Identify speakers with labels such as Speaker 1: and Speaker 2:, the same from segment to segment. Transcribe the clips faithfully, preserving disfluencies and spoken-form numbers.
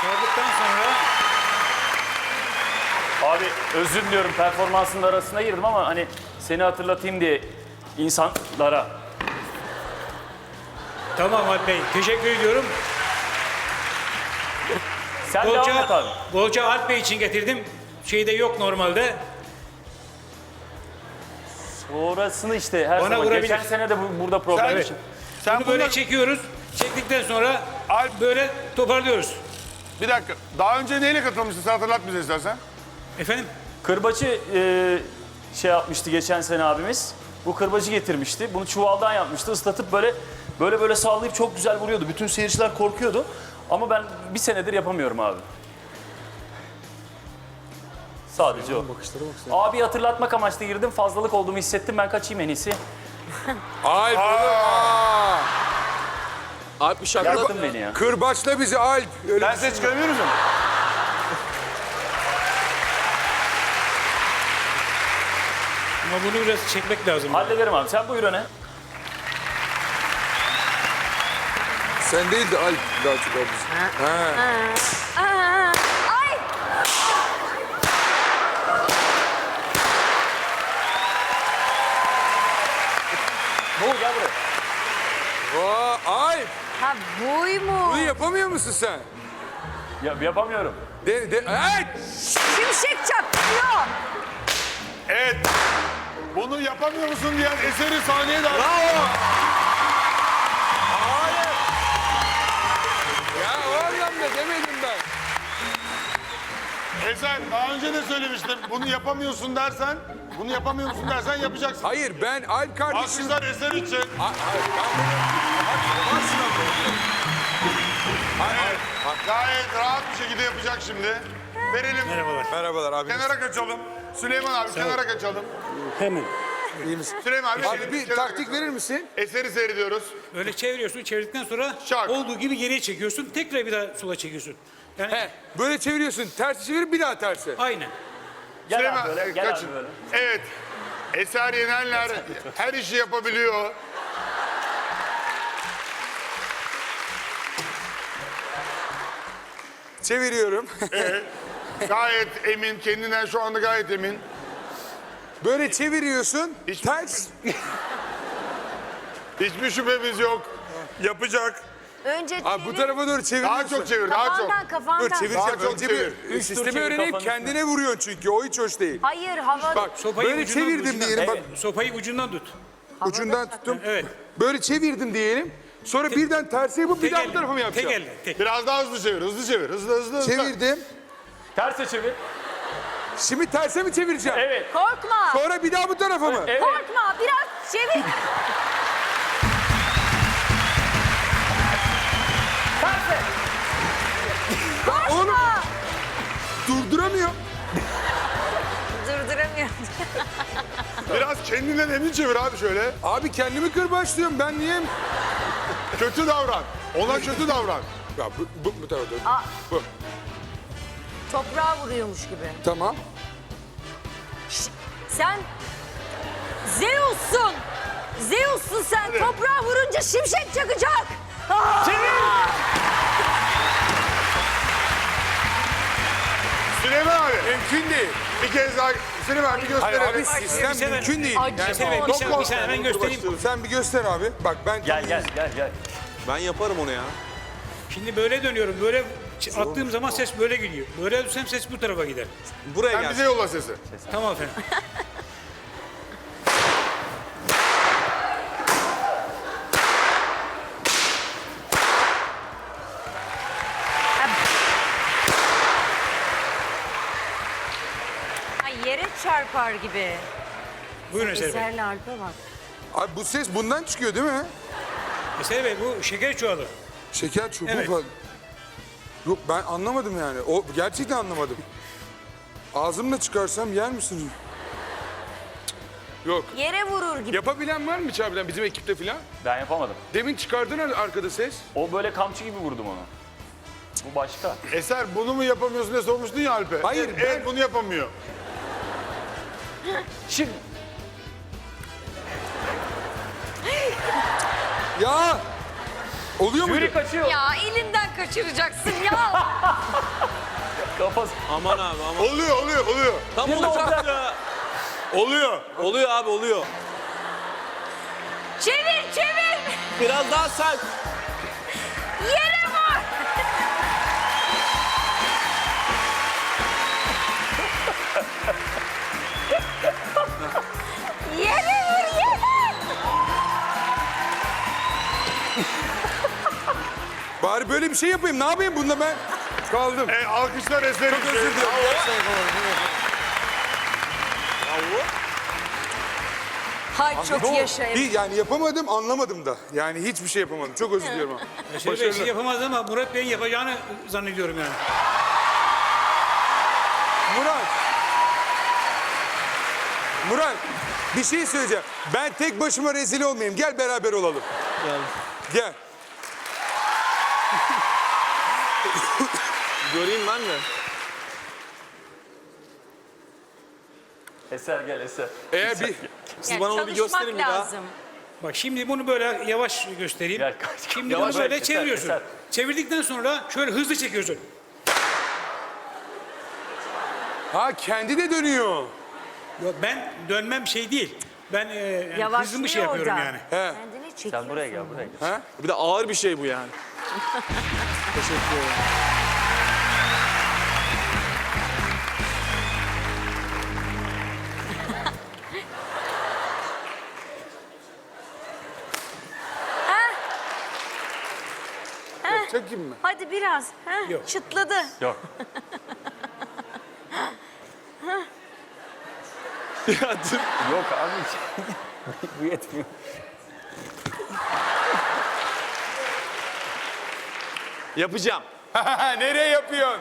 Speaker 1: Sorduktan sonra...
Speaker 2: Abi özür diliyorum, performansının arasına girdim ama hani seni hatırlatayım diye insanlara.
Speaker 1: Tamam Alp Bey, teşekkür ediyorum.
Speaker 2: Sen devam et
Speaker 1: Bolca,
Speaker 2: abi.
Speaker 1: Bolca Alp Bey için getirdim. Şeyde yok normalde.
Speaker 2: Sonrasını işte her
Speaker 1: Bana
Speaker 2: zaman.
Speaker 1: vurabilir.
Speaker 2: Geçen sene de bu, burada problem
Speaker 3: Sen-
Speaker 2: için.
Speaker 3: Sen
Speaker 1: Bunu böyle
Speaker 3: bunları-
Speaker 1: çekiyoruz. Çektikten sonra
Speaker 3: Alp-
Speaker 1: böyle toparlıyoruz.
Speaker 3: Bir dakika. Daha önce neyle katılmıştın? Sen hatırlat bize istersen.
Speaker 1: Efendim?
Speaker 2: Kırbacı e, şey yapmıştı geçen sene abimiz. Bu kırbacı getirmişti. Bunu çuvaldan yapmıştı. Islatıp böyle böyle böyle sallayıp çok güzel vuruyordu. Bütün seyirciler korkuyordu. Ama ben bir senedir yapamıyorum abi. Sadece o. Abi hatırlatmak amaçlı girdim. Fazlalık olduğumu hissettim. Ben kaçayım en iyisi.
Speaker 4: Alp. Aa. Alp bir şaka.
Speaker 2: Yarattın beni ya.
Speaker 4: Kırbaçla bizi Alp. Öyle
Speaker 3: Ben size çıkarabilir miyim?
Speaker 1: Ama bunu biraz çekmek lazım.
Speaker 2: Hallederim abi. Sen buyur öne.
Speaker 4: Sen değil de Alp daha çok Alp. Ha.
Speaker 5: Aa, ay!
Speaker 2: Bu gel buraya.
Speaker 4: Vay Alp.
Speaker 5: Ha buymuş.
Speaker 4: Bunu yapamıyor musun sen?
Speaker 2: Ya, yapamıyorum.
Speaker 4: De, de, evet.
Speaker 5: Şimşek çaktırıyor.
Speaker 3: Evet. Bunu yapamıyor musun diyen eseri sahneye davet.
Speaker 4: Bravo. Hayır. Ya o anlamda demedim ben.
Speaker 3: Eser daha önce de söylemiştim. Bunu yapamıyorsun dersen, bunu yapamıyor musun dersen yapacaksın.
Speaker 4: Hayır ben Alp kardeşim.
Speaker 3: Alkışlar Eser için.
Speaker 4: Ha- Hayır ben bunu... Varsın ama.
Speaker 3: Evet. Gayet rahat bir şekilde yapacak şimdi. Verelim.
Speaker 1: Merhabalar.
Speaker 4: Merhabalar abi.
Speaker 3: Kenara kaçalım. Süleyman abi kenara kaçalım.
Speaker 1: Hemen.
Speaker 4: İyi misin?
Speaker 3: Süleyman abi,
Speaker 4: Abi bir
Speaker 3: kenara
Speaker 4: taktik
Speaker 3: kaçalım.
Speaker 4: verir misin?
Speaker 3: Eseri seyrediyoruz.
Speaker 1: Öyle çeviriyorsun. Çevirdikten sonra
Speaker 3: Şak.
Speaker 1: olduğu gibi geriye çekiyorsun. Tekrar bir daha sola çekiyorsun. Yani
Speaker 4: He, böyle çeviriyorsun. Tersi çevir bir daha tersi.
Speaker 1: aynen.
Speaker 2: Gel
Speaker 3: Süleyman
Speaker 2: abi böyle.
Speaker 3: e,
Speaker 2: Gel
Speaker 3: kaçın.
Speaker 2: abi böyle.
Speaker 3: Evet. Eser Yenenler her işi yapabiliyor.
Speaker 4: Çeviriyorum.
Speaker 3: Gayet emin, kendinden şu anda gayet emin.
Speaker 4: Böyle çeviriyorsun.
Speaker 3: Hiç-
Speaker 4: Ters.
Speaker 3: Hiçbir şüphemiz yok. Yapacak.
Speaker 5: Önce
Speaker 4: Abi bu
Speaker 5: çevir.
Speaker 4: tarafa doğru çeviriyorsun.
Speaker 3: Daha çok çevir, daha çok.
Speaker 5: Kafandan kafandan.
Speaker 4: Dur çevireceğim.
Speaker 3: Daha çok
Speaker 4: Önce
Speaker 3: çevir.
Speaker 4: bir
Speaker 2: Üç tur
Speaker 4: sistemi
Speaker 2: çevir
Speaker 4: öğrenip
Speaker 2: kafanın
Speaker 4: kendine vuruyorsun çünkü. O hiç hoş değil.
Speaker 5: Hayır hava.
Speaker 4: Bak
Speaker 1: Sopayı
Speaker 4: böyle
Speaker 1: ucundan,
Speaker 4: çevirdim
Speaker 1: ucundan.
Speaker 4: diyelim. Bak
Speaker 1: Evet, sopayı ucundan tut.
Speaker 4: ucundan tuttum.
Speaker 1: Evet.
Speaker 4: Böyle çevirdim diyelim. Sonra birden tersi yapıp bir
Speaker 1: Tek
Speaker 4: daha bu
Speaker 1: elle,
Speaker 4: tarafa mı
Speaker 1: Tek
Speaker 4: yapacağım?
Speaker 1: elle. Tek.
Speaker 3: Biraz daha hızlı çevir, hızlı çevir. Hızlı hızlı hızlı.
Speaker 4: Çevirdim.
Speaker 2: Terse çevir.
Speaker 4: Şimdi terse mi çevireceğim?
Speaker 2: Evet.
Speaker 5: Korkma.
Speaker 4: Sonra bir daha bu tarafa mı?
Speaker 2: Evet.
Speaker 5: Korkma. Biraz çevir.
Speaker 2: Terse.
Speaker 4: Oğlum
Speaker 5: Korkma.
Speaker 4: durduramıyor.
Speaker 5: Durduramıyorum.
Speaker 3: Biraz kendinden emin çevir abi şöyle.
Speaker 4: Abi kendimi kırbaçlıyorum. Ben niye?
Speaker 3: Kötü davran. Ona kötü davran.
Speaker 4: Ya bu, bu, bu tarafa doğru.
Speaker 5: Aa.
Speaker 4: Bu.
Speaker 5: Toprağa vuruyormuş gibi.
Speaker 4: Tamam.
Speaker 5: Sen Zeus'sun. Zeus'sun sen.
Speaker 3: Hadi.
Speaker 5: Toprağa vurunca şimşek çakacak. Aa!
Speaker 3: Süleyman abi
Speaker 4: Mümkün değil.
Speaker 3: bir kez daha Süleyman abi bir
Speaker 4: Hayır
Speaker 3: gösterelim.
Speaker 4: abi sistem
Speaker 1: Bir sefer-
Speaker 4: mümkün değil.
Speaker 5: Acı.
Speaker 1: Bir saniye, bir
Speaker 3: Çok
Speaker 1: saniye, bir
Speaker 3: korkma.
Speaker 1: saniye hemen göstereyim.
Speaker 4: Sen bir göster abi. Bak ben
Speaker 2: Gel gel gel gel.
Speaker 4: Ben yaparım onu ya.
Speaker 1: Şimdi böyle dönüyorum. Böyle ç- attığım zaman ses böyle gidiyor. Böyle dönsem ses bu tarafa gider.
Speaker 4: Buraya
Speaker 3: Sen bize yolla sesi.
Speaker 1: Tamam efendim.
Speaker 5: Ay, yere çarpar gibi.
Speaker 1: Buyurun Eser Bey.
Speaker 5: Eserle Alp'e bak.
Speaker 4: Abi bu ses bundan çıkıyor değil mi?
Speaker 1: Eser Bey bu şeker çuvalı.
Speaker 4: Şeker çubuğu
Speaker 1: Evet.
Speaker 4: falan. Yok ben anlamadım yani. O gerçekten anlamadım. Ağzımla çıkarsam yer misin? Yok.
Speaker 5: Yere vurur gibi.
Speaker 4: Yapabilen var mı içeriden bizim ekipte falan?
Speaker 2: Ben yapamadım.
Speaker 4: Demin çıkardın ar- arkada ses.
Speaker 2: O böyle kamçı gibi vurdum onu. Bu başka.
Speaker 3: Eser bunu mu yapamıyorsun diye sormuştun ya Alp'e.
Speaker 4: Hayır,
Speaker 3: Evet,
Speaker 4: ben-
Speaker 3: evet bunu yapamıyor.
Speaker 2: Şimdi
Speaker 4: Ya! Oluyor mu?
Speaker 2: jüri kaçıyor.
Speaker 5: Ya elinden kaçıracaksın ya.
Speaker 2: Kafası.
Speaker 6: Aman abi aman.
Speaker 3: Oluyor, oluyor, oluyor.
Speaker 6: Tam
Speaker 2: Bir de
Speaker 6: olacaktı.
Speaker 3: Oluyor.
Speaker 6: Oluyor abi oluyor.
Speaker 5: Çevir çevir.
Speaker 6: Biraz daha sert.
Speaker 5: Yere vur. Yere vur yere.
Speaker 4: Bari böyle bir şey yapayım. Ne yapayım bunda ben? Kaldım.
Speaker 3: E, alkışlar eser
Speaker 4: Çok özür dilerim.
Speaker 5: Hay çok yaşayın.
Speaker 4: Bir, yani yapamadım, anlamadım da. Yani hiçbir şey yapamadım. Çok özür diliyorum. ama.
Speaker 1: Yaşar Bey
Speaker 4: Başarılı.
Speaker 1: şey yapamaz ama Murat Bey'in yapacağını zannediyorum yani.
Speaker 4: Murat. Murat, bir şey söyleyeceğim. Ben tek başıma rezil olmayayım. Gel beraber olalım.
Speaker 6: Gel.
Speaker 4: Gel.
Speaker 6: Göreyim ben de.
Speaker 2: Eser gel Eser.
Speaker 4: Eğer bir...
Speaker 6: Siz
Speaker 5: Yani
Speaker 6: bana onu bir
Speaker 5: çalışmak
Speaker 6: gösterin bir daha.
Speaker 5: lazım.
Speaker 1: Bak şimdi bunu böyle yavaş göstereyim.
Speaker 2: Gel kaç.
Speaker 1: Şimdi
Speaker 2: Yavaş
Speaker 1: bunu böyle
Speaker 2: eser,
Speaker 1: çeviriyorsun.
Speaker 2: eser.
Speaker 1: Çevirdikten sonra şöyle hızlı çekiyorsun.
Speaker 4: Ha kendi de dönüyor.
Speaker 1: Yok, ben dönmem şey değil. Ben e, yani hızlı
Speaker 5: Yavaşlıyor
Speaker 1: bir şey yapıyorum
Speaker 5: orada.
Speaker 1: yani.
Speaker 4: He.
Speaker 5: Kendini çekiyorsun.
Speaker 2: Sen buraya gel buraya gel.
Speaker 4: Ha?
Speaker 6: Bir de ağır bir şey bu yani. Teşekkür ederim.
Speaker 4: Yapacak gibi mi?
Speaker 5: Hadi biraz. Heh,
Speaker 1: Yok.
Speaker 5: çıtladı.
Speaker 2: Yok.
Speaker 6: Ya dur.
Speaker 2: Yok abi. Bu yetmiyor.
Speaker 6: Yapacağım.
Speaker 4: Nereye yapıyorsun?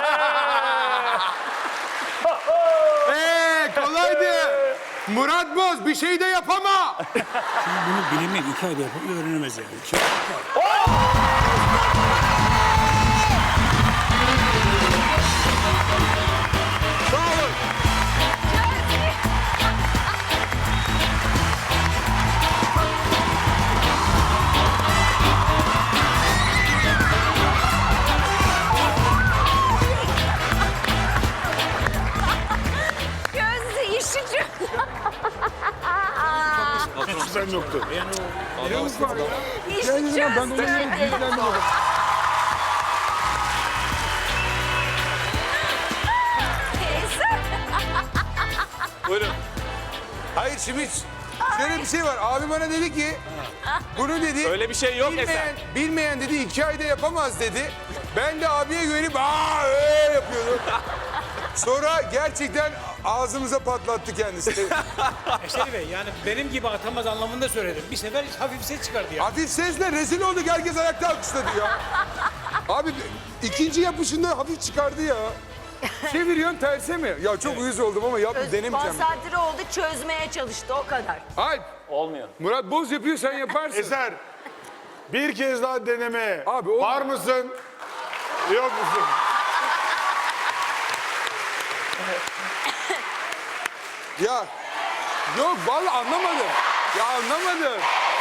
Speaker 4: Eee kolaydı. Murat Boz bir şey de yapama.
Speaker 1: Bunu bilinmek iki ayda yapıp öğrenemez yani. Şey,
Speaker 4: Sağ olun.
Speaker 5: Gözü işici.
Speaker 3: Sen yoktu.
Speaker 5: İşi çözdü. Eser.
Speaker 6: Buyurun.
Speaker 4: Hayır şimdi şöyle bir şey var. Abi bana dedi ki bunu dedi.
Speaker 6: Öyle bir şey yok
Speaker 4: bilmeyen,
Speaker 6: Eser.
Speaker 4: bilmeyen dedi iki ayda yapamaz dedi. Ben de abiye güvenip aa öyle yapıyordum. Sonra gerçekten ağzımıza patlattı kendisi.
Speaker 1: Yaşar Bey yani benim gibi atamaz anlamında söyledim. Bir sefer hafif ses çıkardı ya.
Speaker 4: Hafif sesle rezil olduk. Herkes ayakta alkışladı ya. Abi ikinci yapışında hafif çıkardı ya. Çeviriyorsun terse mi? Ya çok uyuz oldum ama yapma denemeyeceğim.
Speaker 5: Konsantre oldu, çözmeye çalıştı o kadar.
Speaker 4: Alp,
Speaker 2: Olmuyor.
Speaker 4: Murat Boz yapıyor sen yaparsın.
Speaker 3: Eser, bir kez daha deneme.
Speaker 4: Abi, o-
Speaker 3: Var mısın? Yok musun?
Speaker 4: Ya yok vallahi anlamadım. Ya anlamadım.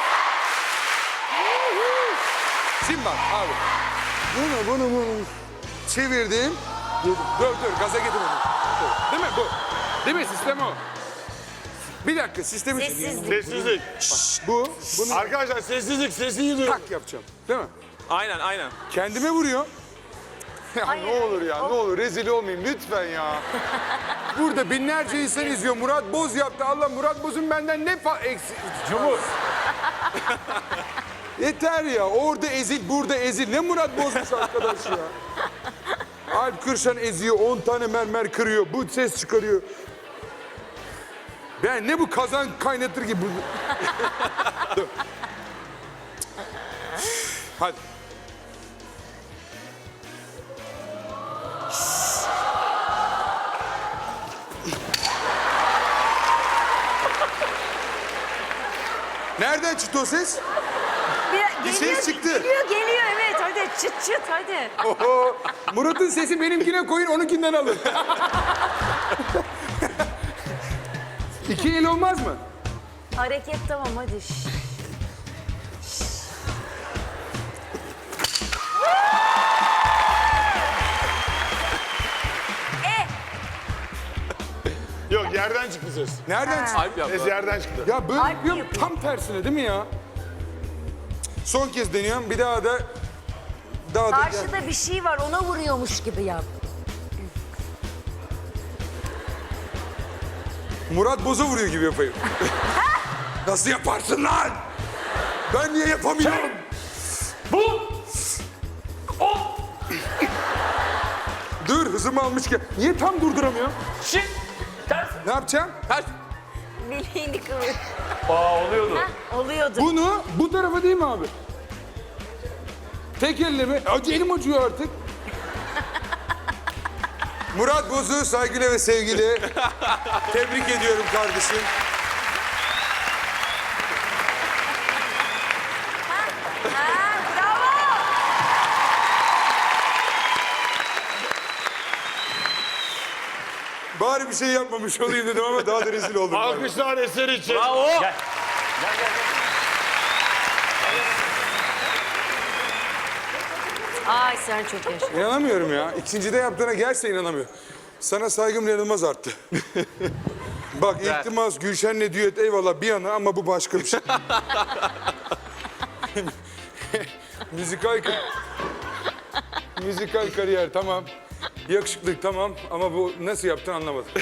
Speaker 4: Şimdi bak abi. Bunu bunu bunu çevirdim. Dur dur, dur gaza getir onu. Dur. Değil mi bu? Değil mi sistem o? Bir dakika sistemi
Speaker 5: Sessizlik.
Speaker 3: Sessizlik.
Speaker 4: Şşş, bu. Bunu
Speaker 3: Arkadaşlar sessizlik, sesini duyun.
Speaker 4: tak yapacağım. Değil mi?
Speaker 6: Aynen aynen.
Speaker 4: Kendime vuruyor. Ya
Speaker 5: Hayır,
Speaker 4: ne olur ya,
Speaker 5: hayır.
Speaker 4: ne olur rezil olmayayım lütfen ya. Burada binlerce insan izliyor. Murat Boz yaptı. Allah Murat Boz'un benden ne fa eksi... Cumhur. Yeter ya. Orada ezil, burada ezil. Ne Murat Boz'muş arkadaş ya. Alp Kırşan eziyor. on tane mermer kırıyor. Bu ses çıkarıyor. Ben ne bu kazan kaynatır gibi. Dur. Hadi. Nereden çıktı o ses?
Speaker 5: Bir,
Speaker 4: Bir
Speaker 5: geliyor,
Speaker 4: ses çıktı.
Speaker 5: Geliyor, geliyor evet. Hadi çıt çıt hadi.
Speaker 4: Oho. Murat'ın sesi benimkine koyun, onunkinden alın. İki el olmaz mı?
Speaker 5: Hareket tamam hadi. Şş.
Speaker 3: yerden çıktı ses.
Speaker 4: Nereden çıktı?
Speaker 6: Alp yaptı.
Speaker 3: Ses yerden çıktı.
Speaker 4: Ya böyle
Speaker 5: Alp
Speaker 4: yapıyorum
Speaker 5: yapıyor.
Speaker 4: tam tersine değil mi ya? Son kez deniyorum. Bir daha da daha da
Speaker 5: Karşıda bir şey var ona vuruyormuş gibi yap.
Speaker 4: Murat Boz'a vuruyor gibi yapayım. Nasıl yaparsın lan? Ben niye yapamıyorum?
Speaker 2: Bu. O.
Speaker 4: Dur hızımı almışken. Niye tam durduramıyorum?
Speaker 2: Şimdi. Ters.
Speaker 4: Ne yapacağım?
Speaker 6: Ters.
Speaker 5: Bileğini kıvır.
Speaker 2: Aa oluyordu.
Speaker 5: Heh, oluyordu.
Speaker 4: Bunu bu tarafa değil mi abi? Tek elle mi? Acı elim acıyor artık. Murat Boz'u saygıyla ve sevgiyle tebrik ediyorum kardeşim.
Speaker 5: Ha, bravo.
Speaker 4: Bari bir şey yapmamış olayım dedim ama daha da rezil oldum. galiba.
Speaker 3: Alkışlar eser için.
Speaker 6: Bravo.
Speaker 2: Gel. Gel gel gel.
Speaker 5: Ay sen çok yaşa.
Speaker 4: İnanamıyorum ya. İkincide yaptığına gerçekten inanamıyorum. Sana saygım inanılmaz arttı. Bak İltimas, Gülşen'le düet eyvallah bir yana ama bu başka bir şey. Müzikal ka- Müzikal kariyer tamam. Yakışıklık tamam ama bu nasıl yaptın anlamadım.